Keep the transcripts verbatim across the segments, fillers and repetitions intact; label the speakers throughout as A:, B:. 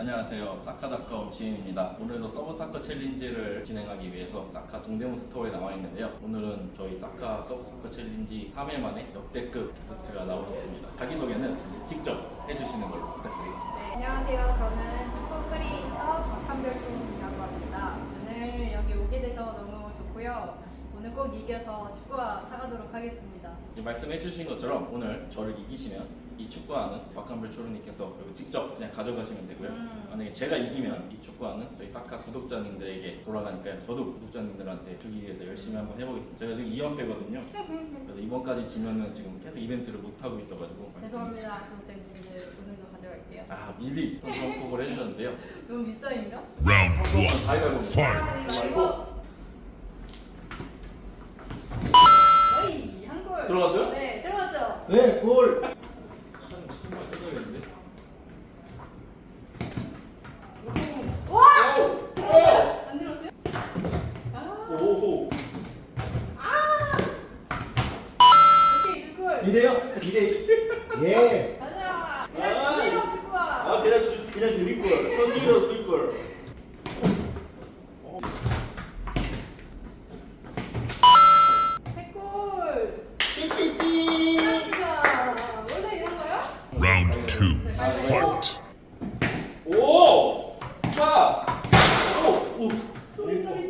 A: 안녕하세요. 사카닷컴 지인입니다. 오늘도 서브사커 챌린지를 진행하기 위해서 사카 동대문 스토어에 나와 있는데요. 오늘은 저희 사카 서브사커 챌린지 삼 회 만에 역대급 게스트가 나오셨습니다. 자기소개는 직접 해주시는 걸로 부탁드리겠습니다.
B: 네, 안녕하세요. 저는 축구 크리에이터 박한별총이라고 합니다. 오늘 여기 오게 돼서 너무 좋고요. 오늘 꼭 이겨서 축구화 사가도록 하겠습니다.
A: 말씀해주신 것처럼 오늘 저를 이기시면 이 축구화는 박한별 초르님께서 직접 그냥 가져가시면 되고요.
B: 음.
A: 만약에 제가 이기면 이 축구화는 저희 사카 구독자님들에게 돌아가니까요. 저도 구독자님들한테 주기 위해서 열심히 한번 해보겠습니다. 제가 지금 이 연패거든요. 그래서 이번까지 지면은 지금 계속 이벤트를 못 하고 있어가지고.
B: 죄송합니다. 구독자님들 오늘도 가져갈게요.
A: 아 미리 선수언급을 해주셨는데요.
B: 너무 비싸인가?
C: Round one.
A: 가위바위보.
C: Fight.
B: 어이, 한 골.
A: 들어갔어요?
B: 네, 들어갔죠.
D: 네, 골!
A: 정말 끝나겠는데?
B: 와!
A: 오!
B: 안 들어갔어요? 아,
A: 오호.
B: 오케이, 두 골.
D: 이래요? 이래. 예.
B: 가자. 그냥 주세요, 축구화.
A: 아 그냥 주, 그냥 드릴 걸. 선수기로 줄 걸.
B: 세 골.
D: 삐삐삐!
B: 자, 원래 이런 거요?
C: Round two. Fight.
A: 오! 자! 오! 오!
B: 소리 소리.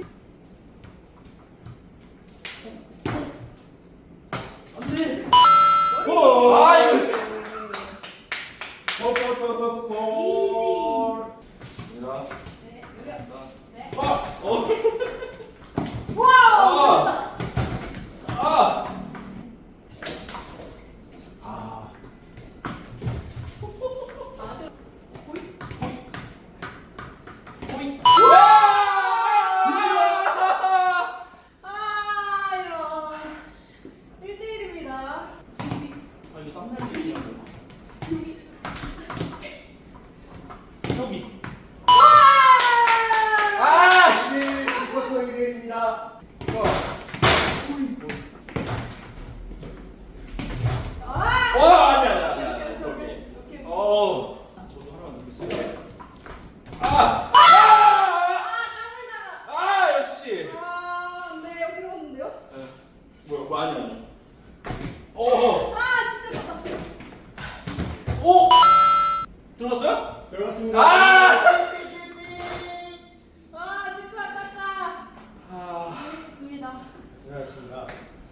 D: 안 돼!
B: 머리.
D: 골!
A: 아 이거 진짜.
D: 골, 골, 골, 골, 골!
B: 네, 여기요. 네.
A: 아! 어!
B: 와우!
A: 아! 아!
D: 아,
A: 호이!
B: 아, 이런. 일 대 일입니다.
A: 아 이거 땀날 일이야. 여기. 아!
D: 네, 이것도 이래입니다.
B: 아!
A: 와 아니야 아니야 아니야.
B: 오케이, 오케이,
A: 오케이.
B: 오케이, 오케이.
A: 어. 저도 하나만 넣겠습니다. 아! 아! 아 역시.
B: 아, 네, 여기 들어갔는데요?
A: 뭐야 뭐 아니야 아니야. 어.
B: 아, 진짜 좋다.
A: 오! 들어갔어요?
D: 들어갔습니다.
A: 아!
B: 아, 축구 아깝다.
A: 아.
B: 재밌었습니다.
D: 들어갔습니다.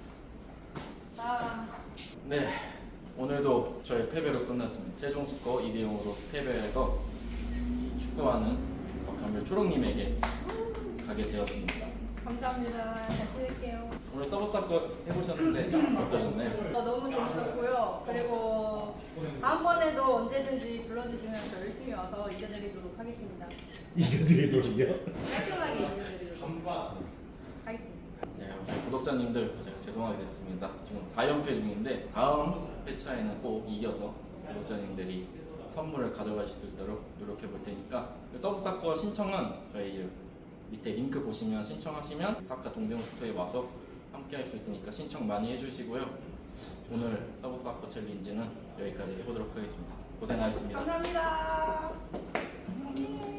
B: 아,
A: 네. 오늘도 저희 패배로 끝났습니다. 최종 스코어 이 대 영으로 패배해서 이 축구화는 박한별 초롱님에게 가게 되었습니다.
B: 감사합니다. 다시 할게요.
A: 오늘 서브사커 해보셨는데 어떠셨나요?
B: 어, 너무 재밌었고요. 그리고 다음번에도 언제든지 불러주시면 저 열심히 와서 이겨드리도록 하겠습니다.
D: 이겨드리도록요?
B: 깔끔하게 이겨드리도록 하겠습니다.
A: 네, 혹시 구독자님들 제가 죄송하게 됐습니다. 지금 사 연패 중인데 다음 회차에는 꼭 이겨서 구독자님들이 선물을 가져가실 수 있도록 노력해 볼 테니까 서브사커 신청은 저희 밑에 링크 보시면 신청하시면 사카 동대문 스토어에 와서 함께 할 수 있으니까 신청 많이 해주시고요. 오늘 서브사커 챌린지는 여기까지 해보도록 하겠습니다. 고생하셨습니다.
B: 감사합니다.